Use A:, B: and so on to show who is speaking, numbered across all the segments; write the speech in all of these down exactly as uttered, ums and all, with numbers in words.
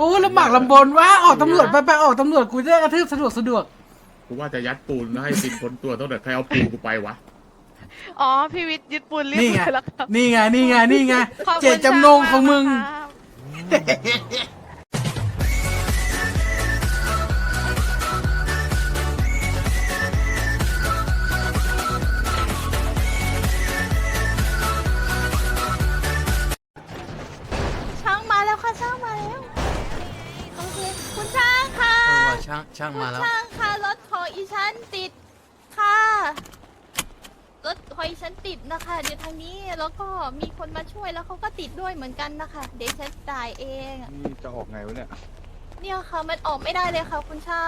A: อ้ลำบากลำบนว่าออกตำรวจไปไปออกตำรวจกูจะได้กระทืบสะดวกสะดวก
B: กูว่าจะยัดปูนแล้วให้สินพ้นตัวตั้งแต่ใครเอาปูนกูไปวะ
C: อ๋อพี่วิทย์ยึดปูนเรียบ
A: นี่ไง
C: ร้อยแล้วครับ
A: นี่ไงนี่ไงนี่ไง
C: ขอบคุณ
A: เจตจำนงของมึง
C: มากครับ
D: ช่างมาแล้วค่ะช่างมาแล้วโอเคคุณช่างค่ะ
A: เออว่ะช่างช่าง
D: คุณ
A: มาแล้ว
D: ช่างค่ะรถของอีฉันติดค่ะรถของอีฉันติดนะคะเดี๋ยวทางนี้แล้วก็มีคนมาช่วยแล้วเขาก็ติดด้วยเหมือนกันนะคะเดี๋ยวฉันจ่ายเอง
E: นี่จะออกไงวะเนี่ย
D: เนี่ยค่ะมันออกไม่ได้เลยค่ะคุณช่าง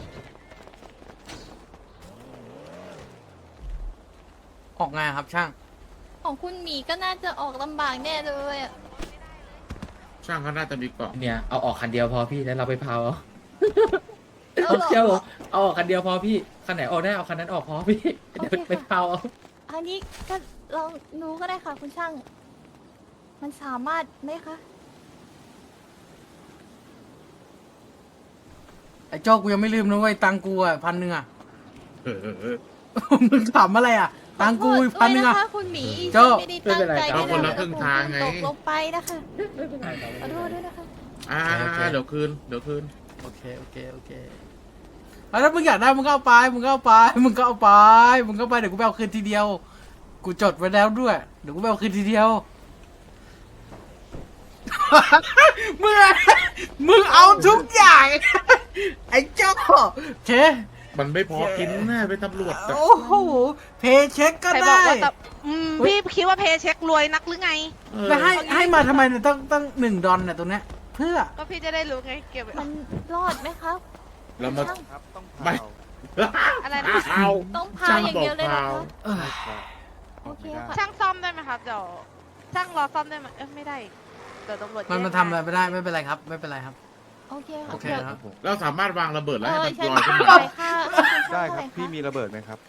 A: ออกไงครับช่าง
D: ของคุณหมีก็น่าจะออกลำบากแน่เลยอะ
B: ช่างเขาน่าจะมีเกาะ
F: เนี่ยเอาออกคันเดียวพอพี่แล้วเราไปเผาเอา
D: เอาเหรอ
F: เชื่อผมเอาออกคันเดียวพอพี่คันไหนออกได้เอาคันนั้นออกพอพี่เดี๋ยว
D: โอเค
F: ไป
D: ค่ะ
F: เผาเอา
D: อันนี้ก็ลองดูก็ได้ค่ะคุณช่าง มันสามารถไหมคะ
A: ไอ้โจ้กูยังไม่ลืมนะเว้ยตังกูอ่ะพันหนึ่งอ่ะ
B: เออเออเออ
A: มึงถามอะไรอ่ะตังกูอีกพันหนึ่งอ่ะ
D: ขอโทษด้วยนะคะคุณหมี
A: โจ้
D: ฉันไม่ได้ตั้งใจ
B: เอาคนละครึ่งทางไง
D: ตกลงไปนะคะขอโทษด้วยนะคะ
B: อ่าเดี๋ยวคืนเดี๋ยวคืน
A: โอเคโอเคโอเคเอาถ้ามึงอยากได้มึงก็เอาไปมึงก็เอาไปมึงก็เอาไปมึงก็เอาไปเดี๋ยวกูไปเอาคืนทีเดียว กูจดไว้แล้วด้วยเดี๋ยวกูไปเอาคืนทีเดียว มึงอะมึงเอาทุกอย่าง ไอ้เจ้าโอเค
B: มันไม่พอกินแน่เป็นตำรวจอะ
A: โอ้โหเพย์เช็คก็
C: ใครบอก
A: ได้
C: ว่าแต่อืมพี่คิดว่าเพย์เช็ครวยนักหรือไง
B: เออ
A: แล้วให้ให้มาทำไมเนี่ยต้องต้องหนึ่งดอลเนี่ยตรงเนี้ยเพื่อ
C: ก็พี่จะได้รู้ไงเก็บไว้
D: มันรอดไหมคะ
B: แล้วมา
E: ครับ ต้อง
B: ไม่
E: เผา
C: อะไรนะ
B: เอา
D: ต้องพาอย่างเดียวเลยเหรอคะ
A: เออ
D: โอเคค่ะ
C: ช่างซ่อมได้ไหมครับเดี๋ยวช่างรอซ่อมได้ไหมเอ้ยไม่ได้เดี๋ยวตำรวจ
A: มัน
C: แย่ง
A: มันทำอะไรไม่ได้ไม่เป็นไรครับไม่เป็นไรครับ
D: โอเคค่ะ
A: โอเค
D: ดี๋ยว
A: ครับ
B: เราสามารถวางระเบิดแล้ว
D: เอ
B: ให้
D: อ
B: มัน
D: ฉัน
B: ลอยขึ้น
D: เท่า
B: มา
D: ไหร่ค่ะ
E: ได้ครับ
D: เท่าหะ
E: พี่มีระเบิดไหมครับ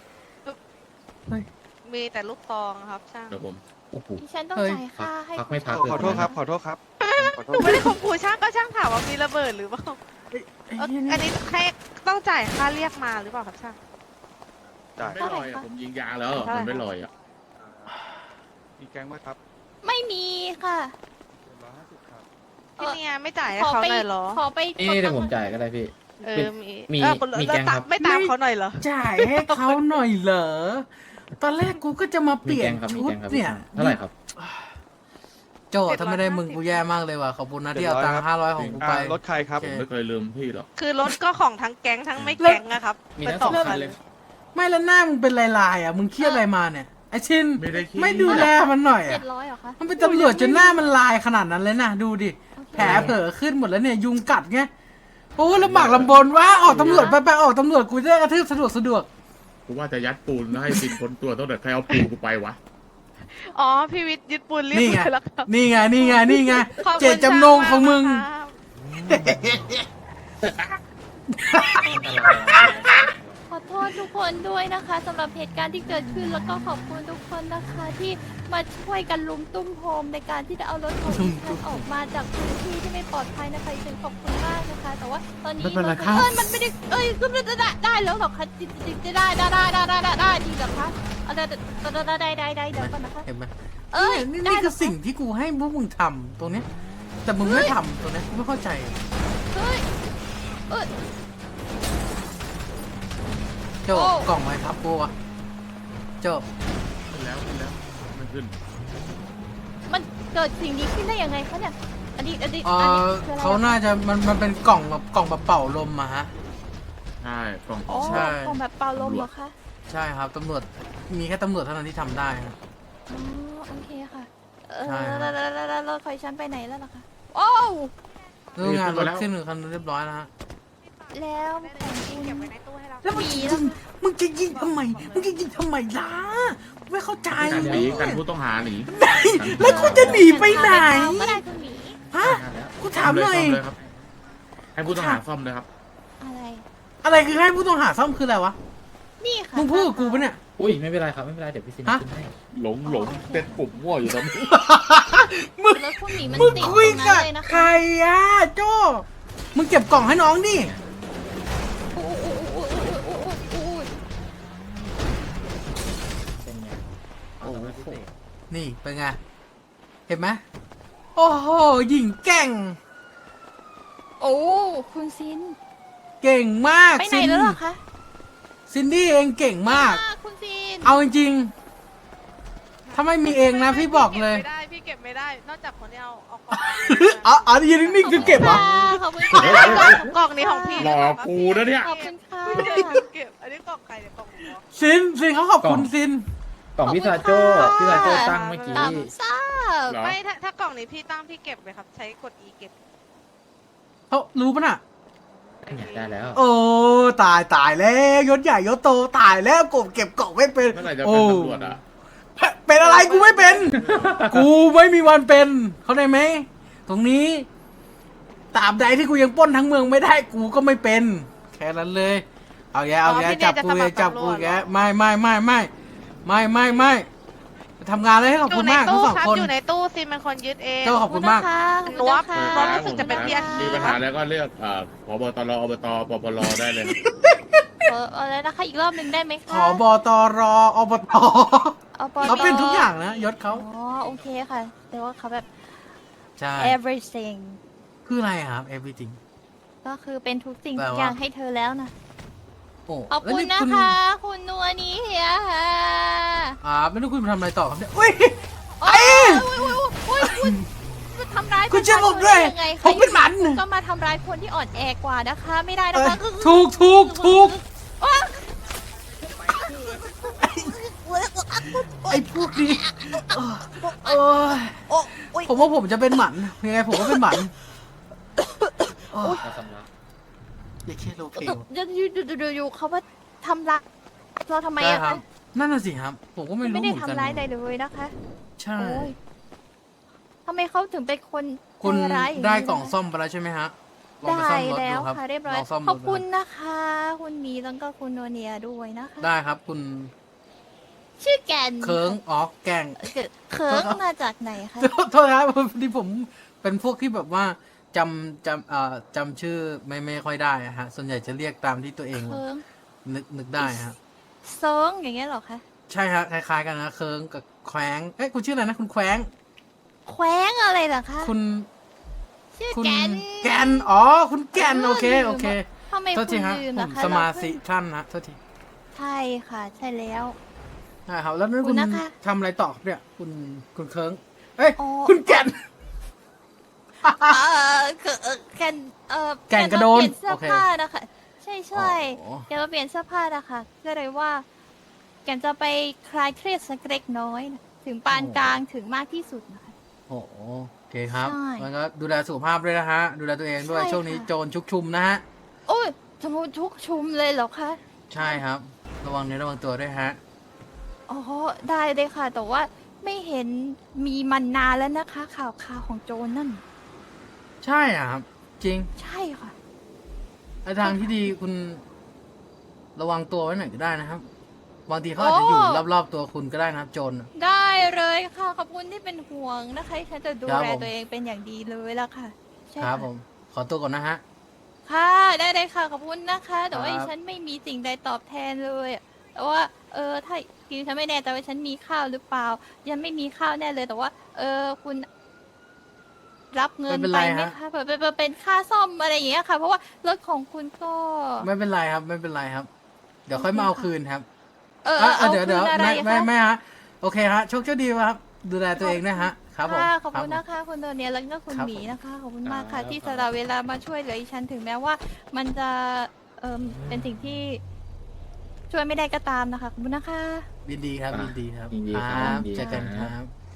C: มีแต่ลูกซองครับช่าง
B: เดี๋ยวผม
F: โอ้โห
D: ดิฉันต้อง
A: เฮ้ย
D: จ่ายค่าให้
F: พักไม่พัก
E: ขอโทษครับ ขอโทษครับ ขอโท
C: หนู
E: ษ
C: ไม่ได้ข่มขู่ช่างก็ช่างถามว่ามีระเบิดหรือเปล่า
A: ไอ้
C: เอ้ย
A: เหี้ย
C: อัน
A: นี่
C: นี้ให้ต้องจ่ายค่าเรียกมาหรือเปล่าครับช่าง
E: จ่าย
B: ไม่ลอยอะผมยิงยางแล้วมันไม่ลอยอ่ะ
E: มีแก๊งไหมครับ
D: ไม่มีค่ะ
E: ร้อยห้าสิบครับ
C: พี่เนี่ยไม่จ่ายให้
D: ขอ
C: เขา
D: ไป
C: หน่อยเหรอ
D: ขอไป
F: นี่เดี๋ยวผมจ่ายก็ได้พี่
C: เออมี
F: มี
C: เออ
F: มี
C: แล้ว
F: แก๊งครับ
C: ไม่ตามเขาหน่อยเหรอ
A: จ่ายให้เขาหน่อยเหรอตอนแรกกูก็จะมาเป
F: มี
A: ลี่ย
F: แก
A: น
F: งครับมี
A: ชุด
F: แกงครับ
A: เนี่ย
F: เท่าไหร่ครับ
A: โจ้ถ้าไม่ได้มึงกูแย่มากเลยว่ะขอบคุณนะที่เอาตังค์ห้าร้อยของกูไป
E: อ่ารถใครครับ
A: โอ
B: ผม
A: เค
B: ไม่เคยลืมพี่หรอก
C: คือรถก็ของทั้งแก๊งทั้งไม่แก๊งนะครับ
F: มี
C: ไป
F: ทั้ง
C: ต่
F: สอง
C: กั
F: คันเลย
A: ไม่แล้วหน้ามึงเป็นลายๆอ่ะมึงเครียดอะไรมาเนี่ยไอชิน
B: ไม่ได้คิด
A: ไม่ดูแลมันหน่อย
D: เจ็
A: อ่ะ
D: ดร้อยเหรอคะ
A: มันเป็นตำรวจจนหน้ามันลายขนาดนั้นเลยนะดูดิ
D: โอเค
A: แผลเผลอขึ้นหมดแล้วเนี่ยยุงกัดไงโอ้ลำบากลำบนว่าออกตำรวจไปไปออกตำรวจกูจะได้กระทืบสะดวกสะดวก
B: กูว่าจะยัดปูนแล้วให้สินพ้นตัวตั้งแต่ใครเอาปูนกูไปวะ
C: อ๋อพี่วิทย์ยึดปูนเรียบ
A: นี่ไง
C: ร้อยแล้วครับ
A: นี่ไงนี่ไงนี่ไง
C: ขอบคุณ
A: เจตจำนงของมึง
C: ครับ
D: ขอโทษทุกคนด้วยนะคะสำหรับเหตุการณ์ที่เกิดขึ้นแล้วก็ขอบคุณทุกคนนะคะที่มาช่วยกันลุมตุ้มโฮมในการที่จะเอารถของดิฉันออกมาจากพื้นที่ที่ไม่ปลอดภัยนะคะดิฉันขอบคุณมากนะคะ แต่ว่าตอนนี้
A: ไม่เป็นไรครับ
D: เอ้ยมันไม่ได้เอ้ยก็ไม่ได้ได้ได้แล้วหรอคะจริงจริงๆจะได้ได้ได้ได้ได้ได้ได้จริงเหรอคะเอาได้ได้ได้ได้ได้ได้เดี๋ยวก่อนนะคะ
A: เห็นไหม
D: เอ้ย
A: นี่
D: ได้
A: นี่
D: เหร
A: คือสิ่งที่กูให้พวกมึงทำตรงเนี้ยแต่มึงไม่ทำตรงเนี้ยกูไม่เข้าใจ
D: เฮ้ยเอ้ย
A: โจ้
D: โอ้
A: กล่องไว้ครับกูอะโจ้
B: ขึ้นแล้วขึ้นแล้วมันขึ้น
D: มันเกิดสิ่งนี้ขึ้นได้ยังไงคะเนี่ยอันนี้อันนี้
A: เอ
D: อันนี้
A: อ
D: คืออะไร
A: เขาน่าจะมันมันเป็นกล่องแบบกล่องแบบเป่าลมอะฮะ
B: ใช่กล่อง
D: อ๋อ
A: ใช่
D: ของแบบเป่าลมเหรอคะ
A: ใช่ครับตำรวจมีแค่ตำรวจเท่านั้นที่ทำได้นะ
D: อ๋อโอเคค่ะ เออ
A: ใช่ครับ
D: แล้วแล้วแล้วแล้วรถไฟชั้นไปไหนแล้วล่ะคะโอ้ว
A: เรื่องงานรถขึ้นหนึ่งคันเรียบร้อยแล้วฮะ
D: แล้วของคุณ
C: เก็บไว้ในตู้ให้เรา
A: แล้วมึงจะยิงมึงจะยิงทำไมมึงจะยิงทำไมล่ะไม่เข้าใจ
B: กันหนีกันผู้ต้องหาหนี
A: แล้วกูจะหนีไปไหน
D: ก็ได้คุณหมี
A: ฮะกูถามหน่อย
B: ซ่มเลยครับให้ผู้ต้องหาซ่อมเลยครับ
D: อะไร
A: อะไรคือให้ผู้ต้องหาซ่อมคืออะไรวะ
D: นี่ค่ะ
A: มึงพูดกับกูปะเนี่ย
F: อุ้ยไม่เป็นไรครับไม่เป็นไรเดี๋ยวพี่ซิน
A: ฮะ
F: ขึ้นให้
B: หลงหลงเต้นปุ่มมั่วอยู่ตอนนี้
A: มึง
D: รถคุณหมีมัน
A: มึง
D: ติดต
A: คุ
D: ร
A: ย
D: งนั้
A: กับ
D: นเลยนะ
A: ใคร
D: คะ
A: อะโจ้มึงเก็บกล่องให้น้องดิ
D: อู้อู้อู้อู้อู้อู้อู้
F: เป็นไงเอาสำหรับพิเศษ
A: นี่เป็นไง เห็นไหมโอ้โหหญิงเก่ง
D: โอ้คุณซิน
A: เก่งมาก
D: ไปไหน
A: ซิน
D: แล้วเหรอคะ
A: ซินดี้เองเก่งมาก
D: อ่คุณซิน
A: เอาจริงๆ ถ้าไม่มีเองนะพี่บอกเลย
C: ไม่ได้พี่เก็บไม่ได้ นอกจากคนที่เอาเอากล่อง
A: อ๋ออ๋อยืนนิ่งๆคือเก็บเหรอ
D: ขอบคุณค่ะ
C: กล่องนี้ของพี่
B: หลอกกูนะเนี่ย
D: ขอบคุณค่ะ
C: พี่เก็บเก็บอันนี้กล่องใครเนี่ยกล่องผมเหรอ
A: ซินซินเขาขอบคุณซิน
F: กล่องพี่ซาโจ้พี่ซาโจ้ตั้งเมื่อกี้
D: ตำซ่าบ
B: เหรอ
C: ไม่ถ้าถ้ากล่องนี้พี่ตั้งพี่เก็บเลยครับ ใช้กด E เก็บ
A: เขารู้ปะน่ะ
F: เนี่ยได้แล้ว
A: โอ้ตายตายแล้วยศใหญ่ยศโตตายแล้วกบเก็บกล่องไม่เป็น
B: เมื่อไหร่จะ
A: โอ้
B: เป็นตำรวจอ่ะ
A: เป็นอะไรกูไม่เป็น กูไม่มีวันเป็น เข้าใจไหมตรงนี้ตราบใดที่กูยังปล้นทั้งเมืองไม่ได้กูก็ไม่เป็น แค่นั้นเลย เอาแย่เอาแย่จับกูแย่จับกูแย่ไม่ไม่ไม่ไม่ไม่ไม่ไม่ทำงานเลยให้ขอบ
C: อ
A: คุ
C: ยู่
A: ณ
C: ใน
A: มากทั้
C: ตู้
A: งสอง
C: ครับ
A: คน
C: อยู่ในตู้ซิมเป็นคนยึดเอง
A: เจ้าขอบคุณมาก
C: นวบ
D: ขอบ
C: เพราะ
D: คุณ
C: รู้สึกจะเป็นพี่อาชี
B: มีปัญหาแล้วก็เลือกอ่าผบตรอบตปปรได้เลย
D: เอออะไรนะคะอีกรอบหนึ่งได้ไหม
A: ข
D: คะ
A: อบตรอบต
D: เอาป
A: เขาเป็นทุกอย่างนะยศเขา
D: อ๋อโอเคค่ะ แต่ว่าเขาแบบ
A: ใช่
D: everything
A: คืออะไรครับ everything
D: ก็คือเป็นทุกสิ่ง
A: แปล
D: ทุก
A: ว่า
D: อย่างให้เธอแล้วนะ
A: โอ้
D: ขอบ
A: แล้ว
D: คุณ
A: นี่
D: นะคะ คุณนัวนี้เฮียค่ะ
A: อ่าไม่รู้คุณทำอะไรต่อครับเนี่ยอุ้ย
D: โอ้ยโอ้ยโอ้ยโอ้ยคุณคุณทำร้าย
A: คุณจะหลบด้วย
D: ยังไงคะ
A: ผมเป็นหมัน
D: คุณก็มาทำร้ายคนที่อ่อนแอกว่านะคะ ไม่ได้นะคะ
A: เออถูกถูกถูก
D: โอ๊ย
A: ไอ้พวกนี้เออผมว่าผมจะเป็นหมันยังไงผมก็เป็นหมันโอ้ย
F: เราสำลัก
A: อย่าเคโลเพล
D: อยู่อยู่อยู่อยู่อยู่เขาว่าทำร้ายเราทำไม
A: ได้
D: อะ
A: ครั
D: คะ
A: บนั่นน่ะสิครับ ผมก็ไม่รู้
D: ไม่
A: เห
D: ได้
A: มือนกัน
D: ทำร้ายใดเลยนะคะ
A: ใช่
D: โอ้ยทำไมเขาถึงเป็นคน
A: คุณ
D: ใจร้ายอย่างนี้
A: ได้กล่อง
D: นะคะ
A: ซ่อมไปแล้วใช่ไหมฮะลอง
D: ได้
A: ไปซ่อมรถ
D: แล้
A: ดู
D: ว
A: ครับ
D: ค่ะเรียบร้อ
A: ล
D: ย
A: องซ่อม
D: ข
A: ร
D: อบ
A: ถ
D: คุณ
A: ดู
D: นะคะ คุณหมีแล้วก็คุณโนเนียด้วยนะคะ
A: ได้ครับคุณ
D: ชื่อแกน
A: เคิงอ๋อแกง
D: เอ่อเคิร์งมาจากไหนคะ
A: โทษนะครับพอดีผมเป็นพวกที่แบบว่าจำจำเอ่อจำชื่อไม่ไม่ค่อยได้อะฮะ ส่วนใหญ่จะเรียกตามที่ตัวเอง
D: เคิร์ง
A: นึกนึกได้ฮะ
D: เซิร์งอย่างเงี้ยเหรอคะ
A: ใช่ฮะคล้ายๆกันนะเคิงกับแควงเอ้ยคุณชื่ออะไรนะคุณแควง
D: แคว้งอะไรเหรอคะ
A: คุณ
D: ชื่อ
A: คุณ
D: แกน
A: แกนอ๋อคุณแกน
D: เออ
A: โอเค
D: ลืม
A: โอเค
D: ทำไม
A: โท
D: คุ
A: ษ
D: ณ
A: ทีฮะ
D: ลืม
A: ผ
D: ล่ะ
A: ม
D: คะ
A: สมา
D: เร
A: ธิ
D: เพิ่ง
A: ท่านนะโทษที
D: ใช่ค่ะ ใช่แล้ว
A: ใช่ครับแล้วนั่น
D: คุ
A: คุณ ณ
D: นะคะ
A: ทำอะไรต่อครับเนี่ยคุณคุณเคิงเอ้ย
D: อ๋อ
A: คุณแกน
D: เออคือเออแกนเออ
A: แกนกระโดน
D: เปลี่ยนเสื้อ
A: โอเค
D: ผ้านะคะใช่ใช่
A: อ๋อ
D: แกมาเปลี่ยนเสื้อผ้านะคะก็เลยว่า แกนจะไปคลายเครียดสักเล็กน้อยนะถึงปานกลางถึงมากที่สุดนะคะ
A: โอ้โหโอเคครับ
D: ใช่
A: แล้วก็ดูแลสุขภาพด้วยนะฮะ ดูแลตัวเองด้วย
D: ใช่
A: ช่วงนี้
D: ค่ะ
A: โจรชุกชุมนะฮะ
D: โอ้ยทำไมทุกชุมเลยเหรอคะ
A: ใช่ครับ ระวังเนื้อระวังตัวด้วยฮะ
D: อ๋อได้เลยค่ะ แต่ว่าไม่เห็นมีมันนานแล้วนะคะ ข่าวข่าวของโจรนั่น
A: ใช่อ่ะครับ จริง
D: ใช่ค่ะ
A: ไอ้ทางที่ดีคุณระวังตัวไว้หน่อยก็ได้นะครับ บางทีเขาอาจจะอยู่
D: โอ้
A: รอบๆตัวคุณก็ได้นะครับ โจรน่ะ
D: ได้เลยค่ะ ขอบคุณที่เป็นห่วงนะคะฉันจะดู
A: ครับ
D: แล
A: ผม
D: ตัวเองเป็นอย่างดีเลยละค่ะใช่
A: ครับ
D: ค่ะ
A: ผม ขอตัวก่อนนะฮะ
D: ค่ะได้เลยค่ะขอบคุณนะคะ แต่ว่า
A: ครับ
D: ฉันไม่มีสิ่งใดตอบแทนเลยอะแต่ว่า เออถ้าคือฉันไม่แน่ใจว่าฉันมีข้าวหรือเปล่า ยังไม่มีข้าวแน่เลยแต่ว่า เออคุณ รับเงิน
A: ไม่เป็น
D: ไป
A: ไร
D: ไหม
A: ฮะ
D: คะเป็นเป็นเป็นค่าซ่อมอะไรอย่างเงี้ยค่ะ เพราะว่ารถของคุณก็
A: ไม่เป็นไรครับ ไม่เป็นไรครับ เดี๋ยวค่อยมา
D: โอ
A: เอา
D: เคค่ะ
A: คืนครับ
D: เออ
A: อ่ะ
D: เอา
A: เดี๋ยว
D: คื
A: เดี๋ยวน
D: อะไร
A: ไม่ไม่
D: คะ
A: ไม่ฮะ โอเคฮะ โชคโชคดีครับ ดูแลตัวเองนะฮะ ครับผม
D: ค่ะขอบคุณ
A: รั
D: นะคะ คุณโดเนียแล้วก็คุณ
A: ครับ
D: หมีนะคะ ขอบคุณมาก
A: ครั
D: ค่ะ
A: บ
D: ที่สละเวลามาช่วยเหลืออีฉันถึงแม้ว่า มันจะเออเป็นสิ่งที่ ช่วยไม่ได้ก็ตามนะคะ ขอบคุณนะคะ
A: ยินดีครับยินดีครับ
F: ยินดีครับยินดี
A: เจอกัน
F: ค
A: ค
F: รั
A: รับ บ